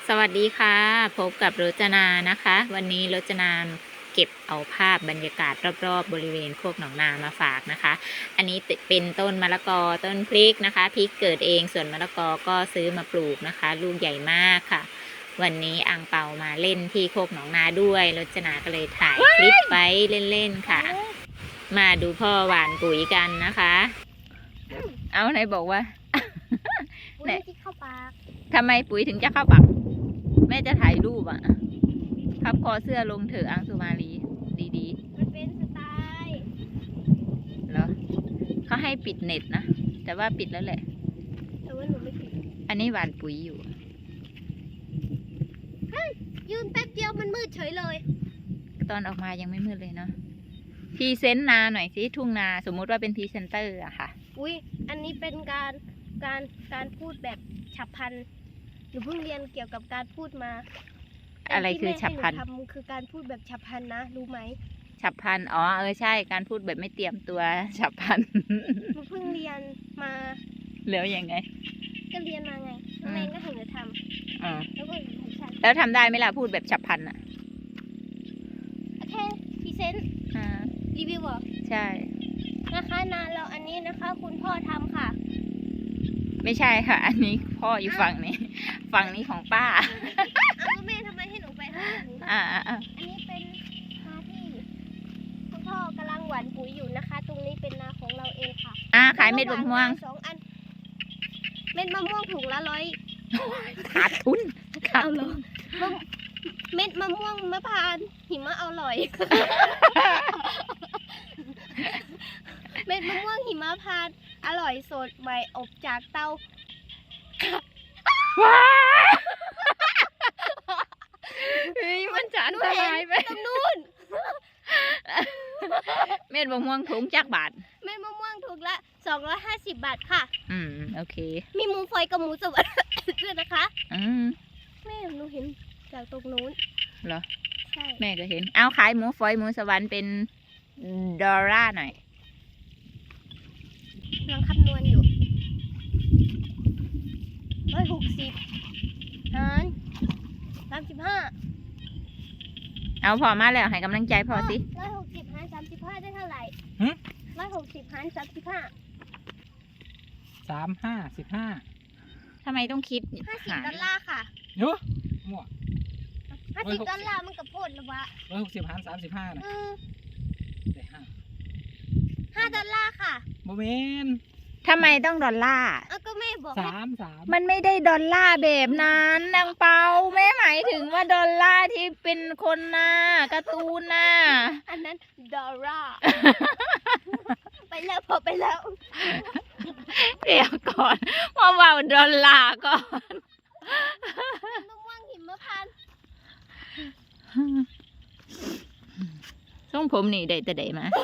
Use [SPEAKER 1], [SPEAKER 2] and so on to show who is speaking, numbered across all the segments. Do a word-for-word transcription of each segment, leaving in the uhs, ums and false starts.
[SPEAKER 1] สวัสดีค่ะพบกับรจนานะคะ วันนี้รจนาเก็บเอาภาพบรรยากาศรอบๆบริเวณโคกหนองนามาฝากนะคะ อันนี้เป็นต้นมะละกอต้นพริกนะคะพริกเกิดเองส่วนมะละกอก็ซื้อมาปลูกนะคะ ลูกใหญ่มากค่ะ วันนี้อังเปามาเล่นที่โคกหนองนาด้วยรจนาก็เลยถ่ายคลิปไว้เล่นๆค่ะ มาดูพ่อหว่านปุ๋ยกันนะคะ เอาไหนบอกว่า
[SPEAKER 2] ปุ๋ยที่เข้าปาก
[SPEAKER 1] ทำไมปุ๋ยถึงจะเข้าปากแม่จะถ่ายรูปอ่ะพับคอเสื้อลงเถอะอังสุมาลีดี
[SPEAKER 2] มันเป็นสไตล์
[SPEAKER 1] ๆเหรอเขาให้ปิดเน็ตนะแต่ว่าปิดแล้วแหละ
[SPEAKER 2] แต่ว่าหนูไม่ผิด
[SPEAKER 1] อันนี้หว่านปุ๋ยอยู่
[SPEAKER 2] ยืนแป๊บเดียวมันมืดเฉยเลย
[SPEAKER 1] ตอนออกมายังไม่มืดเลยเนาะพรีเซนต์นาหน่อยสิทุ่งนาสมมุติว่าเป็นพรีเซนเตอร์อะค่ะ
[SPEAKER 2] อุ้ยอันนี้เป็นการการการพูดแบบฉับพลันหนูเพิ่งเรียนเกี่ยวกับการพูดมา
[SPEAKER 1] อะไรคือฉับพลัน
[SPEAKER 2] ที่แม่ให้หนูทำคือการพูดแบบฉับพลันนะรู้ไหม
[SPEAKER 1] ฉับพลันอ๋อเออใช่การพูดแบบไม่เตรียมตัวฉับพลัน
[SPEAKER 2] หนูเพิ่งเรียนมา
[SPEAKER 1] แล้วยังไง
[SPEAKER 2] ก็เรียนมาไง
[SPEAKER 1] อืม
[SPEAKER 2] แม่ก็ให้หนูท
[SPEAKER 1] อ๋อ
[SPEAKER 2] ำแล้วก็หนูให้ฉัน
[SPEAKER 1] แล้วทำได้ไหมล่ะพูดแบบฉับพลันอะ
[SPEAKER 2] โอเคพรีเซนต์
[SPEAKER 1] อ่า
[SPEAKER 2] รีวิวเหรอ
[SPEAKER 1] ใช่
[SPEAKER 2] นะคะนานแล้วอันนี้นะคะ คุณพ่อทำค่ะ
[SPEAKER 1] ไม่ใช่ค่ะ อันนี้พ่ออยู่ฝั่งนี้ ฝั่งนี้ของป้า
[SPEAKER 2] เอาแล้วแม่ทำไมให้หนูไปข้างหลัง
[SPEAKER 1] อ่าอ่าอ่า
[SPEAKER 2] อันนี้เป็นนาที่คุณพ่อกำลังหว่านปุ๋ยอยู่นะคะ ตรงนี้เป็นนาของเราเองค่ะ
[SPEAKER 1] อ่าขายเม็ดมะม่วง
[SPEAKER 2] สองอัน เม็ดมะม่วงถุงละร้อย
[SPEAKER 1] ขาดทุนขาด
[SPEAKER 2] เอาเหร
[SPEAKER 1] ทุ
[SPEAKER 2] อน มะเม็ดมะม่วงมะพร้าวหิมะอร่อย เม็ดมะม่วงหิมะพานต์อร่อยสดใหม่อบจากเตา
[SPEAKER 1] ว้ายเฮ้ยมันจะอันตรายไป
[SPEAKER 2] ตรงนู้น
[SPEAKER 1] เม็ดมะม่วงถุงจักบาท
[SPEAKER 2] เม็ดมะม่วงถุงละสองร้อยห้าสิบบาทค่ะ
[SPEAKER 1] อืมโอเค
[SPEAKER 2] มีหมูฝอยกับหมูสวรรค์ด้วยนะคะ
[SPEAKER 1] อืม
[SPEAKER 2] แม่หนูเห็นจากตรงนู้น
[SPEAKER 1] เหรอ
[SPEAKER 2] ใช่
[SPEAKER 1] แม่ก็เห็น เอาขายหมูฝอยหมูสวรรค์เป็นดอลลาร์หน่อย
[SPEAKER 2] กำลังคำนวณอยู่ร้อยหกสิบหารสามสิบห้า
[SPEAKER 1] เอาพอมาแล้วให้กำลังใจพอสิ
[SPEAKER 2] ร้อยหกสิบหารสามสิบห้าได้เท่าไหร่
[SPEAKER 3] หึ
[SPEAKER 2] ร้อยหกสิบหารสามสิบห้า
[SPEAKER 3] สามห้าสิบห้า
[SPEAKER 1] ทำไมต้องคิด
[SPEAKER 2] ห้าสิบ
[SPEAKER 1] หาร
[SPEAKER 2] ดอลลาร์ค่ะ
[SPEAKER 3] เนาะมั่ว
[SPEAKER 2] ห้าสิบดอลลาร์มันกับโพดหรือวะ
[SPEAKER 3] ร้อยหกสิบหารสามสิบห้านะ
[SPEAKER 2] เออ
[SPEAKER 3] ได้ห้า
[SPEAKER 2] ห้าดอลลาร์ค่ะ
[SPEAKER 3] โมเมน
[SPEAKER 1] ทำไมต้องดอลลาร์
[SPEAKER 2] เอาก็แม่บอก
[SPEAKER 3] สามสาม
[SPEAKER 1] มันไม่ได้ดอลลาร์แบบนั้นนางเปาแม่หมายถึงว่าดอลลาร์ที่เป็นคนหน้าการ์ตูนน่ะ
[SPEAKER 2] อันนั้นดอลลาร์ ไปแล้วพอไปแล้ว
[SPEAKER 1] เดี๋ยวก่อนมาเบาดอลลาร์ก่อน
[SPEAKER 2] มะม่วงหิมพานต์
[SPEAKER 1] ทรงผมนี่ได้แต่ได้มา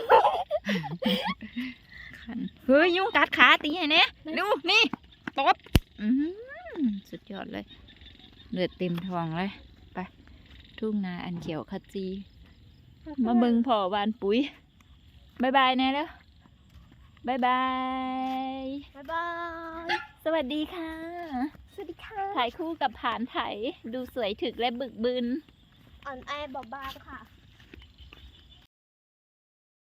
[SPEAKER 1] คันเฮ้ยยุงกัดขาตีไงเนี่ยดูนี่ตบอื้อหือสุดยอดเลยเลือดเต็มท้องเลยไปทุ่งนาอันเขียวขจี มาเบิ่งพ่อหวานปุ๋ยบายบายแน่แล้วบายบาย
[SPEAKER 2] บ๊ายบาย
[SPEAKER 1] สวัสดีค่ะ
[SPEAKER 2] สวัสดีค่ะ
[SPEAKER 1] ถ่ายคู่กับผานไถดูสวยถึกและบึกบึน
[SPEAKER 2] อ่อนแอเบาบางค่ะ